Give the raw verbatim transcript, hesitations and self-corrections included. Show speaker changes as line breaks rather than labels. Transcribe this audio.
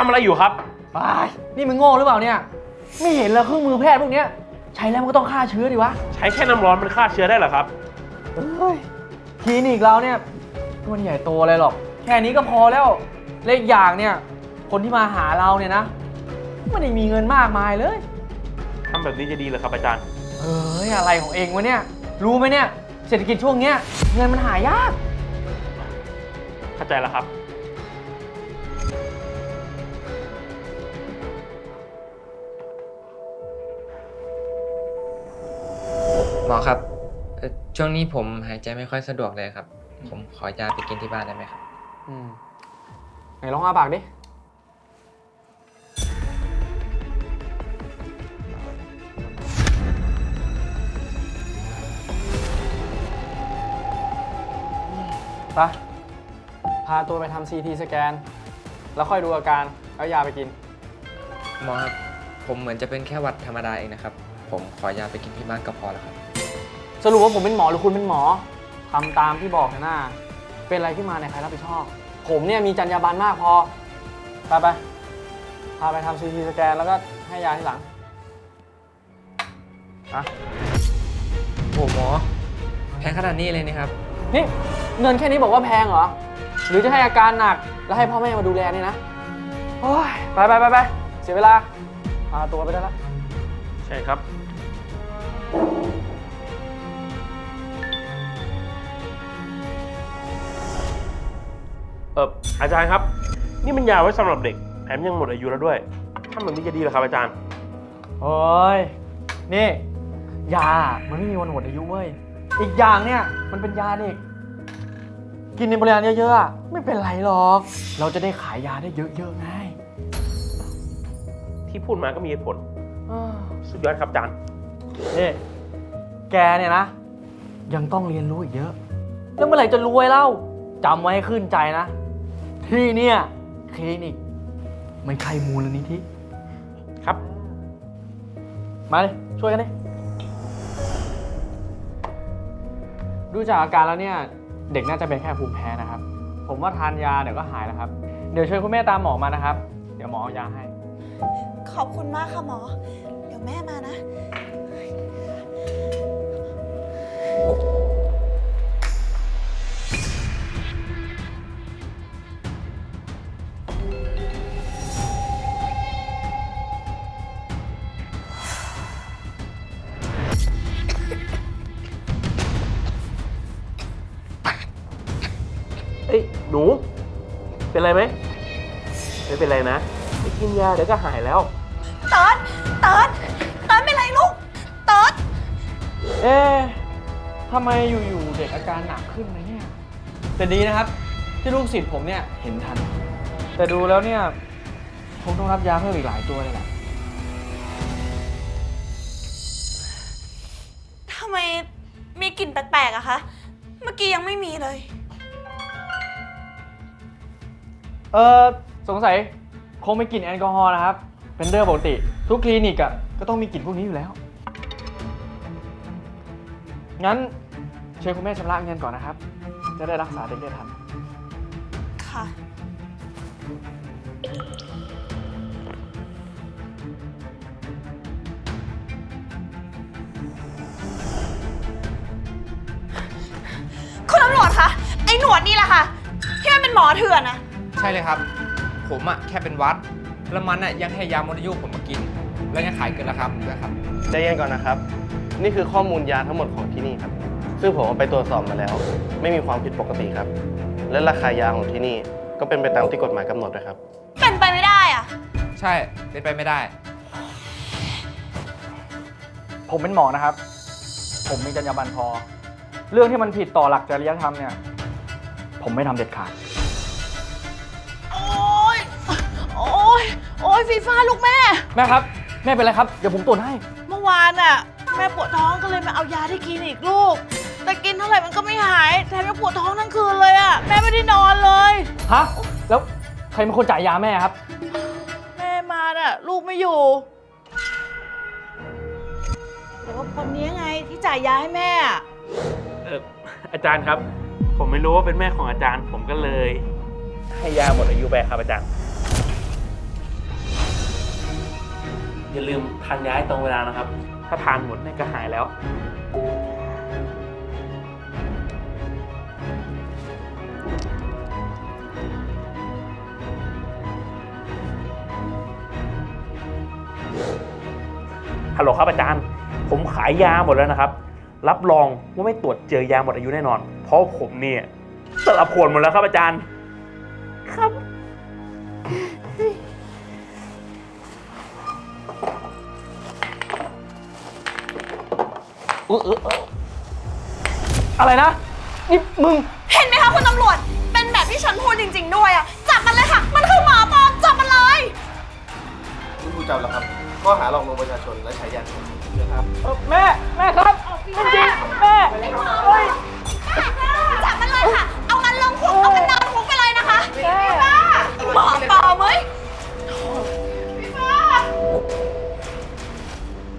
ำอะไรอยู่ครับ
ไปนี่มึงโง่หรือเปล่าเนี่ยไม่เห็นเลยเครื่องมือแพทย์พวกเนี้ยใช้แล้วมันก็ต้องฆ่าเชื้อดิวะ
ใช้แค่น้ำร้อนมันฆ่าเชื้อได้เหรอครับ
เฮ้ยคลินิกเราเนี่ยมันใหญ่โตอะไรหรอกแค่นี้ก็พอแล้วเล็กอย่างเนี่ยคนที่มาหาเราเนี่ยนะไม่ได้มีเงินมากมายเลย
ทำแบบนี้จะดีเหรอครับอาจารย์
เฮ้ยอะไรของเองวะเนี่ยรู้ไหมเนี่ยเศรษฐกิจช่วงเนี้ยเงินมันหายาก
เข้าใจแล้วครับ
หมอครับช่วงนี้ผมหายใจไม่ค่อยสะดวกเลยครับผมขอยาไปกินที่บ้านได้ไหมครับ
อืมไหนลองอ้าปากดิไปพาตัวไปทำ ซี ที สแกนแล้วค่อยดูอาการแล้วยาไปกิน
หมอครับผมเหมือนจะเป็นแค่หวัดธรรมดาเองนะครับผมขอยาไปกินที่บ้านก็พอแล้วครับ
สรุปว่าผมเป็นหมอหรือคุณเป็นหมอทำตามที่บอกนะหน้าเป็นอะไรขึ้นมาเนี่ยใครรับผิดชอบผมเนี่ยมีจรรยาบรรณมากพอไปไปพาไปทำ ซี ที สแกนแล้วก็ให้ยาที่หลังอะ
โอ้หมอแพงขนาดนี้เลยนี่ครับ
นี่เงินแค่นี้บอกว่าแพงเหรอหรือจะให้อาการหนักแล้วให้พ่อแม่มาดูแลนี่นะโอ้ยไปไปไปไปเสียเวลาพาตัวไปได้แล้ว
ใช่ครับเอออาจารย์ครับนี่มันยาไว้สำหรับเด็กแถมยังหมดอายุแล้วด้วยทำแบบนี้จะดีเหรอครับอาจารย์
โอ้ยนี่ยามันไม่มีวันหมดอายุเว้ยอีกอย่างเนี่ยมันเป็นยาเด็กกินในปริมาณเยอะๆไม่เป็นไรหรอกเราจะได้ขายยาได้เยอะๆไง
ที่พูดมาก็มีเหตุผลสุดยอดครับอาจารย์
นี่แกเนี่ยนะยังต้องเรียนรู้อีกเยอะแล้วเมื่อไหร่จะรวยเล่าจำไว้ให้ขึ้นใจนะที่เนี่ยคลินิกไม่ใช่มูลนิธิ
ครับ
มาเลยช่วยกันดิดูจากอาการแล้วเนี่ยเด็กน่าจะเป็นแค่ภูมิแพ้นะครับผมว่าทานยาเดี๋ยวก็หายแล้วครับเดี๋ยวช่วยคุณแม่ตามหมอมานะครับเดี๋ยวหมอเอายาให้
ขอบคุณมากค่ะหมอเดี๋ยวแม่มานะ
เอ้ยหนูเป็นไรไหมไม่เป็นไรนะไปกินยาเดี๋ยวก็หายแล้ว
เติร์ดเติร์ดเติร์ดเป็นไรลูกเติร์ด
เอ๊ะทำไมอยู่ๆเด็กอาการหนักขึ้นนะเนี่ยแต่ดีนะครับที่ลูกศิษย์ผมเนี่ยเห็นทันแต่ดูแล้วเนี่ยคงต้องรับยาเพิ่มอีกหลายตัวเลยแหละ
ทำไมมีกลิ่นแปลกๆอะคะเมื่อกี้ยังไม่มีเลย
เออสงสัยคงไม่กลิ่นแอลกอฮอล์นะครับเป็นเรื่องปกติทุกคลินิกอ่ะก็ต้องมีกลิ่นพวกนี้อยู่แล้วงั้นเชิญคุณแม่ชำระเงินก่อนนะครับจะได้รักษาเด็กได้ทัน
ค่ะคุณตำรวจคะไอ้หนวดนี่แหละค่ะที่มันเป็นหมอเถื่อนนะ
ใช่เลยครับผมอะแค่เป็นวัดแล้วมันอะยังให้ยาหมดอายุผมมากินแล้วยังขายเกินราคาด้วยครับ
ใจเย็นก่อนนะครับนี่คือข้อมูลยาทั้งหมดของที่นี่ครับซึ่งผมเอาไปตรวจสอบมาแล้วไม่มีความผิดปกติครับและราคายาของที่นี่ก็เป็นไปตามที่กฎหมายกำหนดด้วยครับ
เป็นไปไม่ได้อะ
ใช่เป็นไปไม่ได้
ผมเป็นหมอนะครับผมมีจรรยาบรรณพอเรื่องที่มันผิดต่อหลักจริยธรรมเนี่ยผมไม่ทำเด็ดขาด
โอ๊ยโอ๊ยโอ๊ยฟีฟ่าลูกแม่
แม่ครับแม่เป็นไรครับเดี๋ยวผมตรวจให้
เมื่อวานน่ะแม่ปวดท้องก็เลยมาเอายาที่คลินิกลูกแต่กินเท่าไหร่มันก็ไม่หายแถมยังปวดท้องทั้งคืนเลยอ่ะแม่ไม่ได้นอนเลย
ฮะแล้วใครเป็นคนจ่ายยาแม่ครับ
แม่มาน่ะลูกไม่อยู่แต่ว่าคนนี้ไงที่จ่ายยาให้แม่
เอออาจารย์ครับผมไม่รู้ว่าเป็นแม่ของอาจารย์ผมก็เลยให้ยาหมดอายุไปครับอาจารย์อย่าลืมทานยาให้ตรงเวลานะครับ ถ้าทานหมดเนี่ยก็หายแล้ว ฮัลโหลครับอาจารย์ ผมขายยาหมดแล้วนะครับ รับรองว่าไม่ตรวจเจอยาหมดอายุแน่นอน เพราะผมเนี่ยสลับขวดหมดแล้วครับอาจารย์ ครับ
อะไรนะ นี่มึง
เห็นไหมคะคุณตำรวจ เป็นแบบที่ฉันพูดจริง ๆ ด้วยอะจับมันเลยค่ะ มันคือหมาปลอมจับมันเลย
คุณผู้จับแล้วครับข้อหาหลอกลวงประชาชนและใช้ยาเสพติดนะครับ
เออแม่ แม่ครับ